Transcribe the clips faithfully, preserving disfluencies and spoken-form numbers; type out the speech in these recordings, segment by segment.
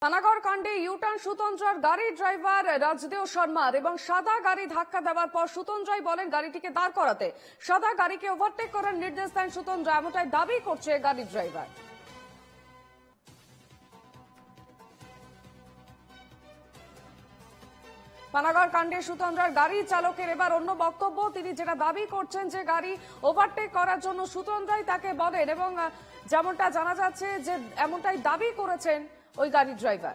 পানাগড় কাণ্ডে ইউটার্ন সুতন্দ্রার গাড়ির ড্রাইভার রাজদেও শর্মার এবং সাদা গাড়ি ধাক্কা দেওয়ার পর সুতন্দ্রাই বলেন গাড়িটিকে দাঁড় করাতে। সাদা গাড়িকে ওভারটেক করার নির্দেশ দেন সুতন্দ্রা, এমনটাই দাবি করছে গাড়ির ড্রাইভার। পানাগড় কাণ্ডে সুতন্দ্রার গাড়ি চালকের এবার অন্য বক্তব্য। তিনি যেটা দাবি করছেন যে গাড়ি ওভারটেক করার জন্য সুতন্দ্রাই তাকে বলেন এবং যেমনটা জানা যাচ্ছে যে এমনটাই দাবি করেছেন ওই গাড়ির ড্রাইভার।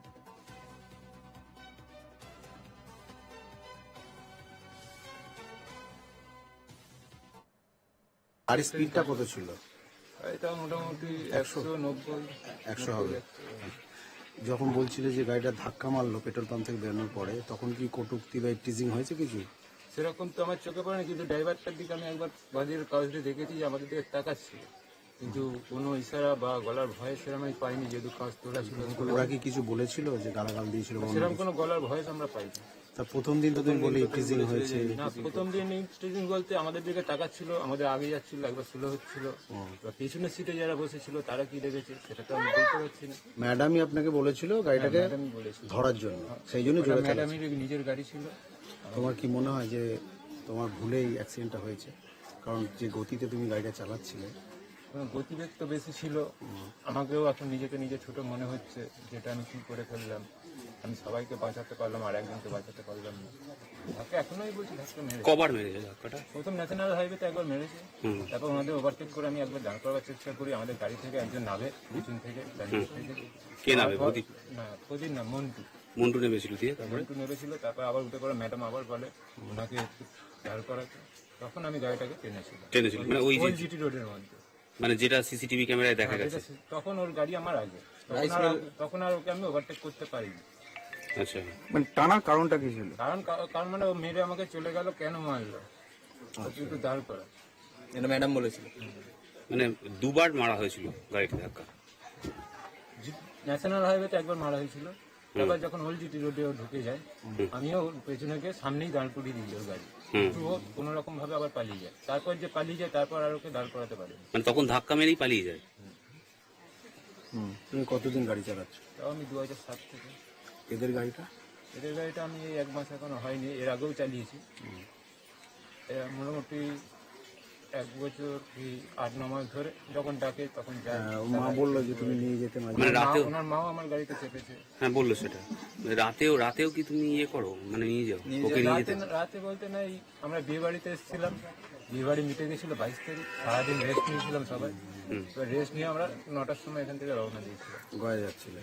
আর স্পিডটা কত ছিল? এটা মোটামুটি একশো নব্বই একশো হবে। যখন বলছিলে যে গাড়িটা ধাক্কা মারলো পেট্রোল পাম্প থেকে বেরোনোর পরে, তখন কি কটূক্তি বা টিজিং হয়েছে কিছু? সেরকম তো আমার চোখে পড়ে না, কিন্তু ড্রাইভারটার দিকে আমি একবার বাজারের কাগজে দেখেছি যে আমাদের দিকে তাকাচ্ছিল, কিন্তু কোনো ইশারা বা গলার ভয়ে সেরকম আমি পাইনি, যেহেতু কাজ তোলা ছিল। ওরা কি কিছু বলেছিল যে গালাগাল দিয়েছিল? সেরকম কোনো গলার ভয়েস আমরা পাইনি। তা প্রথম দিন তো তুমি বলে টিজিং হয়েছে। না, প্রথম দিন টিজিং বলতে আমাদের দিকে তাকাচ্ছিল, আমাদের আগে যাচ্ছিল, একবার স্লো হচ্ছিল, বা পেছনের সিটে যারা বসেছিল তারা কি দেখেছে সেটা তো আমি বলতে পারছি না। ম্যাডামই আপনাকে বলেছিল গাড়িটাকে আমি বলেছি ধরার জন্য, সেই জন্য জোরে চালাচ্ছে। ম্যাডামের নিজের গাড়ি ছিল। তোমার কি মনে হয় যে তোমার ভুলেই অ্যাক্সিডেন্টটা হয়েছে? কারণ যে গতিতে তুমি গাড়িটা চালাচ্ছিলে, গতিবেগ তো বেশি ছিল। আমাকেও এখন নিজেকে নিজে ছোট মনে হচ্ছে, যেটা আমি কি করে ফেললাম। আমি সবাইকে বাঁচাতে পারলাম আর একজনকে বাঁচাতে পারলাম না। তাকে এখনোই বলছি ধাক্কা মেরেছে। কবার মেরেছে ধাক্কাটা? প্রথম ন্যাশনাল হাইওয়েতে একবার মেরেছে, তারপর ওনাদের ওভারটেক করে আমি একবার দাঁড় করার চেষ্টা করি। আমাদের গাড়ি থেকে একজন নামে পিছন থেকে দাঁড়িয়ে থেকে। কে নামে? প্রদীপ? না, প্রদীপ না, মন্টু। মন্টু নেমেছিল দিয়ে? মন্টু নেমেছিল, তারপর আবার উঠে পড়ে ম্যাডাম আবার বলে ওনাকে একটু দাঁড় করাতে। তখন আমি গাড়িটাকে টেনেছিলাম টেনেছিল মানে ওই যে জিটি রোডের মধ্যে, মানে যেটা সিসিটিভি ক্যামেরায় দেখা গেছে। তখন ওর গাড়ি আমার আগে, তখন আর- তখন আর ওকে আমি ওভারটেক করতে পারিনি। আচ্ছা, মানে টানার কারণটা কি ছিল? কারণ কারণ মানে ও মেরে আমাকে চলে গেল, কেন মারলো একটু দাঁড় করা। এটা ম্যাডাম বলেছিল। মানে দুবার মারা হয়েছিল গাড়িতে ধাক্কা। ন্যাশনাল হাইওয়েতে একবার মারা হয়েছিল, তারপর যখন ওল্ড জিটি রোডে ও ঢুকে যায়, আমিও ওর পেছনে গিয়ে সামনেই দাঁড় করিয়ে দিই ওর গাড়ি, কিন্তু ও কোনো রকম ভাবে আবার পালিয়ে যায়। তারপর যে পালিয়ে যায় তারপর আর ওকে দাঁড় করাতে পারে। মানে তখন ধাক্কা মেরেই পালিয়ে যায়। হুম, তুমি কতদিন গাড়ি চালাচ্ছ? তাও আমি দু হাজার সাত থেকে। এদের গাড়িটা? এদের গাড়িটা আমি এই এক মাস এখনো হয়নি, এর আগেও চালিয়েছি। এ মোটামুটি এক বছর কি আট ন মাস ধরে যখন ডাকে তখন যায়। আহ, মা বললো যে তুমি নিয়ে যেতে মাঝে। মানে রাতেও? ওনার মাও আমার গাড়িতে চেপেছে। হ্যাঁ বললো সেটা। রাতেও রাতেও কি তুমি ইয়ে করো, মানে নিয়ে যাও ওকে নিয়ে রাতে যেতে? রাতে বলতে নাই, আমরা বিয়ে বাড়িতে এসেছিলাম, বিয়ে বাড়ি মিটে গেছিল বাইশ তারিখ, সারাদিন রেস্ট নিয়েছিলাম সবাই। এবার রেস্ট নিয়ে আমরা নটার সময় এখান থেকে রওনা দিয়েছিলাম। গয়া যাচ্ছিলে?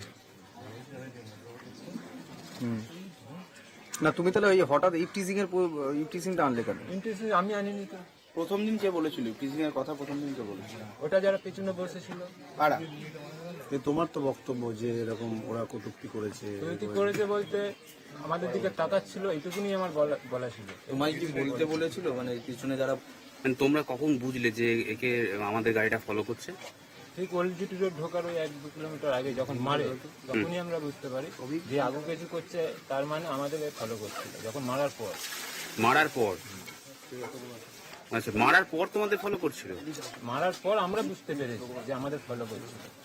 না তুমি তাহলে ওই হঠাৎ ইফটিজিং এর ইফটিজিংটা আনলে কেন? ইন্টারেস্ট আমি আনিনি তো। প্রথম দিন কে বলেছিল ইফটিজিং এর কথা? প্রথম দিন কে বলেছিল? ওটা যারা পেছনে বসেছিল কারা? যে তোমার তো বক্তব্য যে এরকম ওরা কটূক্তি করেছে। কি করেছে বলতে আমাদের দিকে তাকাচ্ছিল, এইটুকুনি আমার বলা বলা ছিল। তোমায় কি বলতে বলেছিল? মানে পিছনে যারা, মানে তোমরা কখন বুঝলে যে একে আমাদের গাড়িটা ফলো করছে? ঠিক ওল্ড জিটি রোড ঢোকার ওই এক দু কিলোমিটার আগে যখন মারে, তখনই আমরা বুঝতে পারি যে আগু কিছু করছে, তার মানে আমাদের ফলো করছিল। যখন মারার পর মারার পর? আচ্ছা, মারার পর তোমাদের ফলো করছিল? মারার পর আমরা বুঝতে পেরেছি যে আমাদের ফলো করছিল।